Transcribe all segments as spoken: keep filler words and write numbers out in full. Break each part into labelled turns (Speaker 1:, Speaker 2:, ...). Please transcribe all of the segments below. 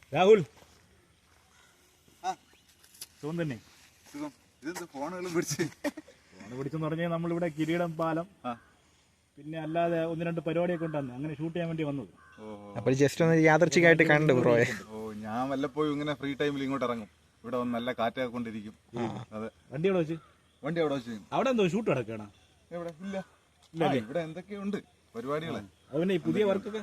Speaker 1: രാഹുൽ സുഖം തന്നെ.
Speaker 2: ഫോണുകളും പിടിച്ച്
Speaker 1: ഫോണ് പിടിച്ചെന്ന് പറഞ്ഞാൽ നമ്മളിവിടെ കിരീടം പാലം പിന്നെ അല്ലാതെ ഒന്ന് രണ്ട് പരിപാടിയൊക്കെ ഉണ്ടായിരുന്നു, അങ്ങനെ ഷൂട്ട് ചെയ്യാൻ വേണ്ടി വന്നത്.
Speaker 3: അപ്പോൾ ജസ്റ്റ് ഒന്ന് യാദർച്ഛികമായിട്ട് കണ്ടു ബ്രോയെ.
Speaker 2: ഓ ഞാൻ വല്ലപ്പോഴും ഇങ്ങനെ ഫ്രീ ടൈമിൽ ഇങ്ങോട്ട് ഇറങ്ങും. ഇവിടെ വന്ന് നല്ല കാറ്റൊക്കെ കൊണ്ടിരിക്കും. അതെ,
Speaker 1: വണ്ടി അവിടെ വെച്ച്
Speaker 2: വണ്ടി അവിടെ വെച്ച്
Speaker 1: അവിടെ എന്തോ ഷൂട്ട് നടക്കണം.
Speaker 2: എവിടെ? ഇല്ല, ഇവിടെ എന്തൊക്കെയുണ്ട് പരിപാടികളെ.
Speaker 1: അതുപോലെ ഈ പുതിയ വർക്കൊക്കെ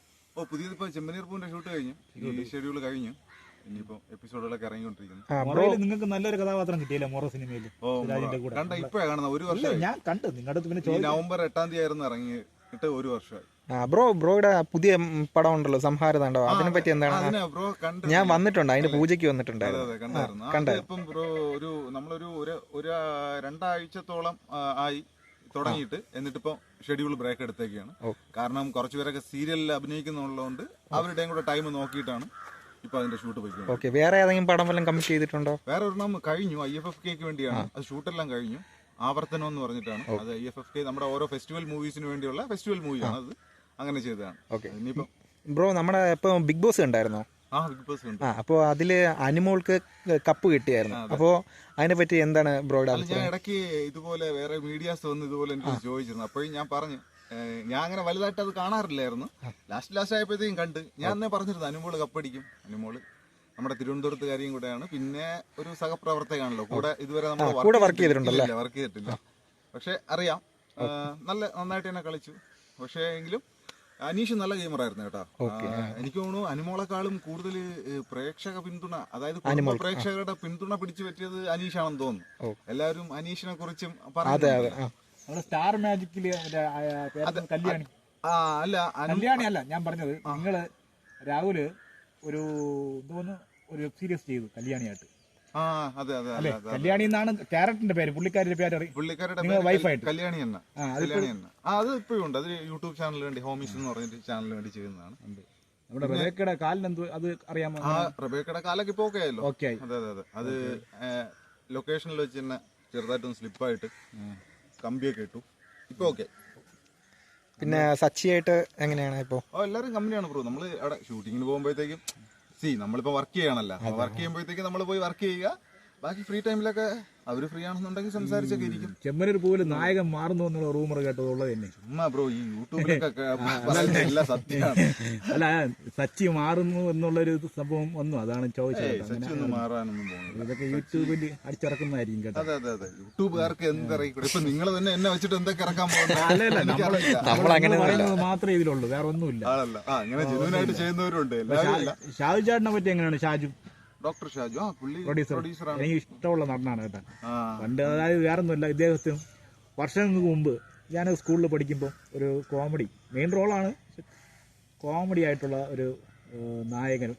Speaker 2: ഓ പുതിയതിപ്പോ ചെമ്പനീർ പൂവിന്റെ ഷൂട്ട് കഴിഞ്ഞു, ഈ ഷെഡ്യൂൾ കഴിഞ്ഞു. ഇനിയിപ്പോ എപ്പിസോഡുകളൊക്കെ ഇറങ്ങിക്കൊണ്ടിരിക്കുന്നു.
Speaker 1: നിങ്ങൾക്ക് നല്ലൊരു കഥാപാത്രം കിട്ടിയില്ല മൊറ സിനിമയിൽ.
Speaker 2: കണ്ട ഇപ്പഴാ കാണുന്നത്. ഒരു വർഷം
Speaker 1: ഞാൻ കണ്ടു നിങ്ങളുടെ പിന്നെ
Speaker 2: നവംബർ എട്ടാം തീയതി ആയിരുന്നു ഇറങ്ങിയിട്ട് ഒരു വർഷമായി.
Speaker 3: ബ്രോ ബ്രോയുടെ പുതിയ പടം ഉണ്ടല്ലോ സംഹാരതാണ്ടോ, അതിനെ പറ്റി എന്താണ്?
Speaker 2: ബ്രോ കണ്ട്
Speaker 3: ഞാൻ വന്നിട്ടുണ്ട്, അതിന്റെ പൂജയ്ക്ക് വന്നിട്ടുണ്ടായിരുന്നു.
Speaker 2: കണ്ടായിരുന്നു. ഇപ്പം ബ്രോ ഒരു നമ്മളൊരു ഒരു രണ്ടാഴ്ചത്തോളം ആയി തുടങ്ങിയിട്ട്, എന്നിട്ടിപ്പോ ഷെഡ്യൂൾ ബ്രേക്ക് എടുത്തേക്കാണ്. കാരണം കുറച്ചുപേരൊക്കെ സീരിയലിൽ അഭിനയിക്കുന്നുള്ളതുകൊണ്ട് അവരുടെയും കൂടെ ടൈം നോക്കിയിട്ടാണ് ഇപ്പൊ അതിന്റെ ഷൂട്ട് പോയിക്കുന്നത്.
Speaker 3: ഓക്കെ, വേറെ ഏതെങ്കിലും പടം വല്ലതും കമ്മിറ്റ് ചെയ്തിട്ടുണ്ടോ?
Speaker 2: വേറെ ഒരെണ്ണം കഴിഞ്ഞു, ഐ എഫ് എഫ് കെക്ക് വേണ്ടിയാണ്. അത് ഷൂട്ടെല്ലാം കഴിഞ്ഞു. ആവർത്തനം എന്ന് പറഞ്ഞിട്ടാണ് അത്. ഐ എഫ് എഫ് കെ നമ്മുടെ ഓരോ ഫെസ്റ്റിവൽ മൂവീസിന് വേണ്ടിയുള്ള ഫെസ്റ്റിവൽ മൂവിയാണ് അത്. അങ്ങനെ ചെയ്തതാണ്.
Speaker 3: ഓക്കെ, ബ്രോ നമ്മുടെ ഇപ്പൊ ബിഗ് ബോസ് ഉണ്ടായിരുന്നോ?
Speaker 2: ആ ബിഗ് ബോസ് ഉണ്ട്.
Speaker 3: ആ, അപ്പോൾ അതില് അനിമോൾക്ക് കപ്പ് കിട്ടിയായിരുന്നു. അപ്പോ അതിനെ പറ്റി എന്താണ് ബ്രോയുടെ?
Speaker 2: ഞാൻ ഇടയ്ക്ക് ഇതുപോലെ വേറെ മീഡിയാസ് വന്ന് ഇതുപോലെ എനിക്ക് ചോദിച്ചിരുന്നു. അപ്പോഴും ഞാൻ പറഞ്ഞു, ഞാൻ അങ്ങനെ വലുതായിട്ട് അത് കാണാറില്ലായിരുന്നു. ലാസ്റ്റ് ലാസ്റ്റ് ആയപ്പോഴത്തേക്കും കണ്ട് ഞാൻ അന്നേ പറഞ്ഞിരുന്നു അനുമോള് കപ്പടിക്കും. അനുമോള് നമ്മുടെ തിരുവനന്തപുരത്തുകാരിയും കൂടെയാണ്, പിന്നെ ഒരു സഹപ്രവർത്തകയാണല്ലോ കൂടെ. ഇതുവരെ നമ്മൾ
Speaker 3: വർക്ക് ചെയ്തിട്ടുണ്ടല്ലോ?
Speaker 2: വർക്ക് ചെയ്തിട്ടില്ല, പക്ഷെ അറിയാം. നല്ല നന്നായിട്ട് തന്നെ കളിച്ചു. പക്ഷേ എങ്കിലും അനീഷ് നല്ല ഗെയിമറായിരുന്നു കേട്ടോ. എനിക്ക് തോന്നുന്നു അനുമോളെക്കാളും കൂടുതൽ പ്രേക്ഷക പിന്തുണ, അതായത് കുടുംബ പ്രേക്ഷകരുടെ പിന്തുണ പിടിച്ചു പറ്റിയത് അനീഷാണെന്ന് തോന്നുന്നു. എല്ലാവരും അനീഷിനെ കുറിച്ചും പറഞ്ഞു.
Speaker 1: സ്റ്റാർ മാജിക്കില് കല്യാണി
Speaker 2: അല്ല
Speaker 1: കല്യാണി അല്ല ഞാൻ പറഞ്ഞത്, നിങ്ങള് രാഹുല് ഒരു തോന്നുന്നു ഒരു വെബ് സീരീസ് ചെയ്തു കല്യാണിയായിട്ട്.
Speaker 2: ആ അതെ അതെ
Speaker 1: അല്ലെ, കല്യാണി എന്നാണ് ക്യാരക്ടറിന്റെ പേര്, പുള്ളിക്കാരുടെ പേര്
Speaker 2: പുള്ളിക്കാരുടെ വൈഫായിട്ട് കല്യാണി തന്നെ. കല്യാണി തന്നെ. ആ അത് ഇപ്പോഴും ഉണ്ട്. അത് യൂട്യൂബ് ചാനലിന് വേണ്ടി, ഹോമീസ് എന്ന് പറഞ്ഞിട്ട് ചാനലിന് വേണ്ടി ചെയ്യുന്നതാണ്.
Speaker 1: നമ്മുടെ റബേക്കയുടെ കാലിന് എന്ത് അത് അറിയാമോ?
Speaker 2: ആ റബേക്കയുടെ കാലൊക്കെ ഇപ്പൊ ഓക്കെ ആയല്ലോ.
Speaker 1: ഓക്കെ,
Speaker 2: അതെ അതെ അതെ. അത് ലൊക്കേഷനിൽ വെച്ച് തന്നെ ചെറുതായിട്ടൊന്ന് സ്ലിപ്പായിട്ട് കമ്പിയൊക്കെ ഇട്ടു. ഇപ്പൊ ഓക്കെ.
Speaker 3: പിന്നെ സച്ചിയായിട്ട് എങ്ങനെയാണ് ഇപ്പൊ?
Speaker 2: ഓ എല്ലാരും കമ്പനിയാണ് ബ്രോ. നമ്മള് അവിടെ ഷൂട്ടിങ്ങിന് പോകുമ്പോഴത്തേക്കും സി നമ്മളിപ്പോ വർക്ക് ചെയ്യണല്ലോ, വർക്ക് ചെയ്യുമ്പോഴത്തേക്ക് നമ്മൾ പോയി വർക്ക് ചെയ്യുക. ബാക്കി ഫ്രീ ടൈമിലൊക്കെ അവര് ഫ്രീ ആണെന്നുണ്ടെങ്കിൽ സംസാരിച്ചൊക്കെ ഇരിക്കും.
Speaker 1: ചെമ്മനൂർ പോലെ നായകൻ മാറുന്നു എന്നുള്ള റൂമർ കേട്ടതുള്ളത് തന്നെ.
Speaker 2: ചുമ്മാ ബ്രോ, ഈ യൂട്യൂബിലൊക്കെ എല്ലാം സത്യമാണ്.
Speaker 1: അല്ല, സച്ചി മാറുന്നു എന്നുള്ളൊരു സംഭവം വന്നു, അതാണ് ചോദിച്ചത്.
Speaker 2: സച്ചി ഒന്നും മാറാനൊന്നും പോകുന്നത്,
Speaker 1: ഇതൊക്കെ യൂട്യൂബിൽ അടിച്ചിറക്കുന്നതായിരിക്കും കേട്ടോ.
Speaker 2: അതെ അതെ അതെ, യൂട്യൂബുകാർക്ക് എന്തിറങ്ങിക്കൂടെ. ഇപ്പൊ നിങ്ങൾ തന്നെ എന്നെ വെച്ചിട്ട് എന്തൊക്കെ ഇറക്കാൻ
Speaker 1: പോകുന്നത് മാത്രമേ ഇതിലുള്ളൂ, വേറെ ഒന്നുമില്ല.
Speaker 2: ആണല്ലോ, ആ അങ്ങനെ ജെനുവിനായിട്ട് ചെയ്യുന്നവരുണ്ട്.
Speaker 1: ഷാജു ചേട്ടനെ പറ്റി എങ്ങനെയാണ്? ഷാജു
Speaker 2: ഡോക്ടർ ഷാജു
Speaker 1: പ്രൊഡ്യൂസറാണ്. എനിക്ക് ഇഷ്ടമുള്ള നടനാണ് കേട്ടോ. പണ്ട് അതായത് വേറെ ഒന്നുമില്ല, ഇദ്ദേഹത്തിന് വർഷങ്ങൾക്ക് മുമ്പ് ഞാൻ സ്കൂളിൽ പഠിക്കുമ്പോൾ ഒരു കോമഡി മെയിൻ റോളാണ്, കോമഡി ആയിട്ടുള്ള ഒരു നായകൻ.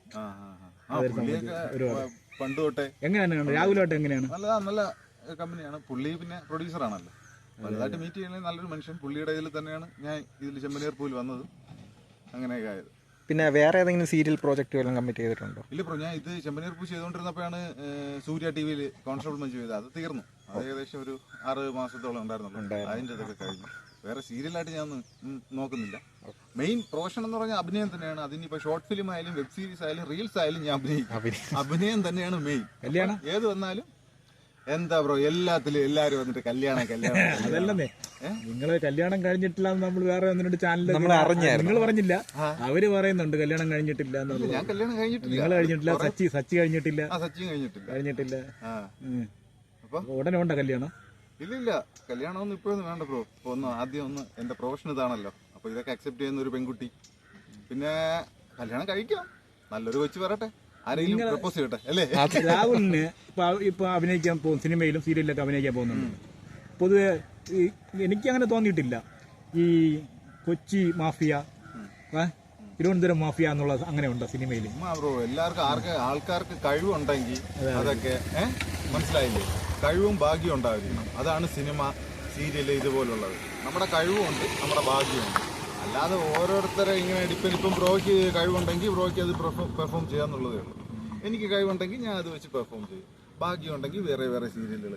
Speaker 2: പണ്ട് തൊട്ടേ
Speaker 1: എങ്ങനെയാണ് രാഹുലായിട്ട് എങ്ങനെയാണ്?
Speaker 2: നല്ല നല്ല കമ്പനിയാണ് പുള്ളി. പിന്നെ പ്രൊഡ്യൂസർ ആണല്ലോ, വലുതായിട്ട് മീറ്റ് ചെയ്യുന്ന നല്ലൊരു മനുഷ്യൻ. പുള്ളിയുടെ ഇതിൽ തന്നെയാണ് ഞാൻ ഇതിൽ ചെമ്പനീർ പൂവിൽ വന്നത്, അങ്ങനെയൊക്കെ ആയത്.
Speaker 3: പിന്നെ വേറെ ഏതെങ്കിലും സീരിയൽ പ്രോജക്റ്റ് വല്ലതും കമ്മിറ്റ് ചെയ്തിട്ടുണ്ടോ?
Speaker 2: ഇല്ല ബ്രോ, ഞാൻ ഇത് ചെമ്പനീർ പൂ ചെയ്തുകൊണ്ടിരുന്നപ്പോഴാണ് സൂര്യ ടി വിയിൽ കോൺസ്റ്റബിൾ മഞ്ജു ചെയ്തത്. അത് തീർന്നു. അത് ഏകദേശം ഒരു ആറ് മാസത്തോളം ഉണ്ടായിരുന്നുള്ളൂ. അതിൻ്റെ ഇതൊക്കെ കഴിഞ്ഞു. വേറെ സീരിയലായിട്ട് ഞാൻ നോക്കുന്നില്ല. മെയിൻ പ്രൊഫഷൻ എന്ന് പറഞ്ഞാൽ അഭിനയം തന്നെയാണ്. അതിനിപ്പോ ഷോർട്ട് ഫിലിം ആയാലും വെബ് സീരീസ് ആയാലും റീൽസ് ആയാലും ഞാൻ അഭിനയിക്കും. അഭിനയം തന്നെയാണ് മെയിൻ.
Speaker 1: കല്യാണം
Speaker 2: ഏത് വന്നാലും എന്താ ബ്രോ, എല്ലാത്തിലും എല്ലാരും വന്നിട്ട് കല്യാണം കല്യാണം.
Speaker 1: അതല്ലേ നിങ്ങള് കല്യാണം കഴിഞ്ഞിട്ടില്ല നമ്മൾ വേറെ ഒന്നിനോട് ചാനലിൽ
Speaker 3: നമ്മൾ അറിഞ്ഞായിരുന്നു,
Speaker 1: നിങ്ങൾ പറഞ്ഞില്ല, അവര് പറയുന്നുണ്ട് കല്യാണം കഴിഞ്ഞിട്ടില്ല എന്നുള്ളത്.
Speaker 2: ഞാൻ കല്യാണം കഴിഞ്ഞിട്ടില്ല.
Speaker 1: നിങ്ങൾ കഴിഞ്ഞിട്ടില്ല, സച്ചി സച്ചി കഴിഞ്ഞിട്ടില്ല.
Speaker 2: സച്ചി കഴിഞ്ഞിട്ടില്ല
Speaker 1: കഴിഞ്ഞിട്ടില്ല
Speaker 2: അപ്പൊ
Speaker 1: ഉടനെ ഉണ്ടോ കല്യാണം?
Speaker 2: ഇല്ലില്ല, കല്യാണമൊന്നും ഇപ്പോഴൊന്നും വേണ്ട ബ്രോ. ഒന്ന് ആദ്യം ഒന്ന് എന്റെ പ്രൊഫഷൻ ഇതാണല്ലോ, അപ്പൊ ഇതൊക്കെ അക്സെപ്റ്റ് ചെയ്യുന്ന ഒരു പെൺകുട്ടി. പിന്നെ കല്യാണം കഴിക്കാം, നല്ലൊരു കൊച്ചു വരട്ടെ, ആരെങ്കിലും പ്രപ്പോസ് ചെയ്യട്ടെ അല്ലേ.
Speaker 1: രാഹുലിന് ഇപ്പൊ ഇപ്പൊ അഭിനയിക്കാൻ പോകും, സിനിമയിലും സീരിയലിലൊക്കെ അഭിനയിക്കാൻ പോകുന്നുണ്ട്. പൊതുവെ എനിക്ക് അങ്ങനെ തോന്നിയിട്ടില്ല ഈ കൊച്ചി മാഫിയ, തിരുവനന്തപുരം മാഫിയ എന്നുള്ള അങ്ങനെ ഉണ്ടോ സിനിമയിൽ?
Speaker 2: ബ്രോ, എല്ലാവർക്കും ആർക്ക് ആൾക്കാർക്ക് കഴിവുണ്ടെങ്കിൽ അതൊക്കെ ഏഹ് മനസ്സിലായില്ലേ, കഴിവും ഭാഗ്യവും ഉണ്ടാവില്ല. അതാണ് സിനിമ, സീരിയല് ഇതുപോലുള്ളത്. നമ്മുടെ കഴിവുമുണ്ട്, നമ്മുടെ ഭാഗ്യമുണ്ട്. അല്ലാതെ ഓരോരുത്തരെ ഇങ്ങനെ ഡിപ്പെൻഡ്. ഇപ്പം ബ്രോയ്ക്ക് കഴിവുണ്ടെങ്കിൽ ബ്രോയ്ക്ക് അത് പെർഫോം ചെയ്യാന്നുള്ളതേ ഉള്ളൂ. എനിക്ക് കഴിവുണ്ടെങ്കിൽ ഞാൻ അത് വെച്ച് പെർഫോം ചെയ്യും. ഭാഗ്യമുണ്ടെങ്കിൽ വേറെ വേറെ സീരിയലുകൾ കിട്ടും.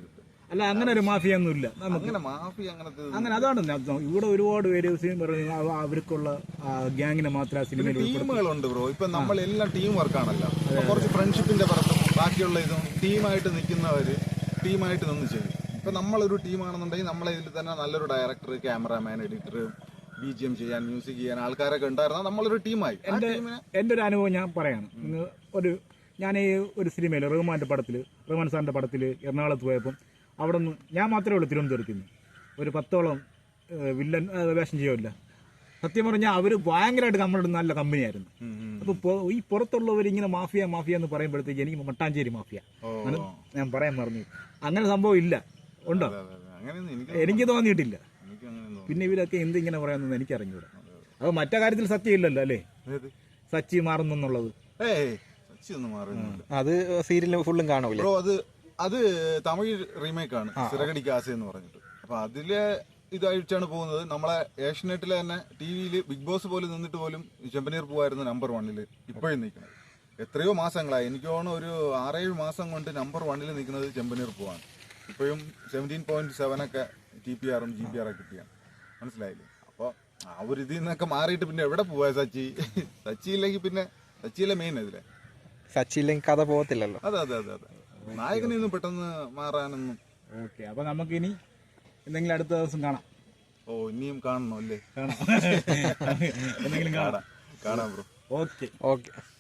Speaker 1: അല്ല അങ്ങനെ ഒരു മാഫിയ ഒന്നുമില്ല നമുക്ക്.
Speaker 2: അങ്ങനെ മാഫി അങ്ങനത്തെ
Speaker 1: അങ്ങനെ അതാണ് ഞാൻ ഉദ്ദേശം. ഇവിടെ ഒരുപാട് പേര് സിനിമ പറഞ്ഞു അവ- അവർക്കുള്ള ഗ്യാങ്ങിനെ മാത്രം ആ സിനിമയിൽ
Speaker 2: ടീമുകളുണ്ട് ബ്രോ. ഇപ്പൊ നമ്മളെല്ലാം ടീം വർക്കാണല്ലോ. ഇപ്പൊ കുറച്ച് ഫ്രണ്ട്ഷിപ്പിന്റെ പുറത്തും ബാക്കിയുള്ള ഇതും ടീമായിട്ട് നിൽക്കുന്നവര് ടീമായിട്ട് നിന്ന് ചെയ്യും. ഇപ്പൊ നമ്മളൊരു ടീമാണെന്നുണ്ടെങ്കിൽ നമ്മളെ ഇതിൽ തന്നെ നല്ലൊരു director, cameraman, editor, B G M ചെയ്യാൻ, മ്യൂസിക് ചെയ്യാൻ ആൾക്കാരൊക്കെ ഉണ്ടായിരുന്നാൽ നമ്മളൊരു ടീമായി. ആ ടീമിനെ
Speaker 1: എൻ്റെ ഒരു അനുഭവം ഞാൻ പറയാണ്. ഇന്ന് ഒരു ഞാൻ ഈ ഒരു സിനിമയിൽ റഹ്മാന്റെ പടത്തിൽ റഹ്മാൻ സാറിന്റെ പടത്തിൽ എറണാകുളത്ത് പോയപ്പം അവിടെ നിന്ന് ഞാൻ മാത്രമേ ഉള്ളൂ തിരുവനന്തപുരത്ത് നിന്ന് ഒരു പത്തോളം ഏഹ്, വില്ലൻ ഏഹ്, വേഷം ചെയ്യുമല്ല. സത്യം പറഞ്ഞാൽ അവർ ഭയങ്കരമായിട്ട് നമ്മളുടെ നല്ല കമ്പനിയായിരുന്നു. അപ്പോൾ ഈ പുറത്തുള്ളവർ ഇങ്ങനെ മാഫിയ മാഫിയ എന്ന് പറയുമ്പോഴത്തേക്ക് എനിക്ക് മട്ടാഞ്ചേരി മാഫിയ അങ്ങനെ ഞാൻ പറയാൻ പറഞ്ഞു. അങ്ങനെ സംഭവം ഇല്ല. ഉണ്ടോ?
Speaker 2: അങ്ങനെയൊന്നും എനിക്ക്
Speaker 1: എനിക്ക് തോന്നിയിട്ടില്ല.
Speaker 2: എനിക്ക് അങ്ങനെ
Speaker 1: പിന്നെ ഇവരൊക്കെ എന്ത് ഇങ്ങനെ പറയാമെന്ന് എനിക്ക് അറിഞ്ഞൂടാ. അപ്പോൾ മറ്റേ കാര്യത്തിൽ സത്യം ഇല്ലല്ലോ അല്ലേ, സച്ചി മാറുന്നു എന്നുള്ളത്.
Speaker 2: ഏയ് സച്ചി ഒന്നും മാറുന്നില്ല
Speaker 3: അത് സീരിയൽ ഫുള്ളും കാണൂലേ
Speaker 2: ബ്രോ. അത് അത് തമിഴ് റീമേക്ക് ആണ്, സിറകടി കാസ എന്ന് പറഞ്ഞിട്ട്. അപ്പൊ അതിലെ ഇതായിട്ടാണ് പോകുന്നത്. നമ്മളെ ഏഷ്യനെറ്റിലെ തന്നെ ടി വിയിൽ ബിഗ് ബോസ് പോലും നിന്നിട്ട് പോലും ചെമ്പനീർ പൂവായിരുന്നു നമ്പർ വണ്ണില് ഇപ്പോഴും നിൽക്കുന്നത്. എത്രയോ മാസങ്ങളായി, എനിക്ക് തോന്നുന്നു ഒരു ആറേഴ് മാസം കൊണ്ട് നമ്പർ വണ്ണിൽ നിൽക്കുന്നത് ചെമ്പനീർ പൂവാണ്. ഇപ്പോഴും സെവൻറ്റീൻ പോയിന്റ് സെവൻ ഒക്കെ ടി പി ആറും ജി പി ആറൊക്കെ കിട്ടിയാണ്. മനസ്സിലായില്ലേ? അപ്പോൾ ആ ഒരു ഇതിൽ നിന്നൊക്കെ മാറിയിട്ട് പിന്നെ എവിടെ പോവാ സച്ചി? സച്ചി ഇല്ലെങ്കിൽ പിന്നെ സച്ചിയിലെ മെയിൻ ഇതിലെ
Speaker 3: സച്ചി ഇല്ലെങ്കിൽ കഥ പോകത്തില്ലല്ലോ.
Speaker 2: അതെ അതെ അതെ അതെ നായകനൊന്നും പെട്ടെന്ന് മാറാനൊന്നും.
Speaker 1: ഓക്കെ, അപ്പോൾ നമുക്കിനി എന്തെങ്കിലും അടുത്ത ദിവസം കാണാം.
Speaker 2: ഓ ഇനിയും കാണണോ അല്ലേ?
Speaker 1: കാണാം എന്തെങ്കിലും കാണാം.
Speaker 2: കാണാം ബ്രോ.
Speaker 1: Okay
Speaker 3: okay.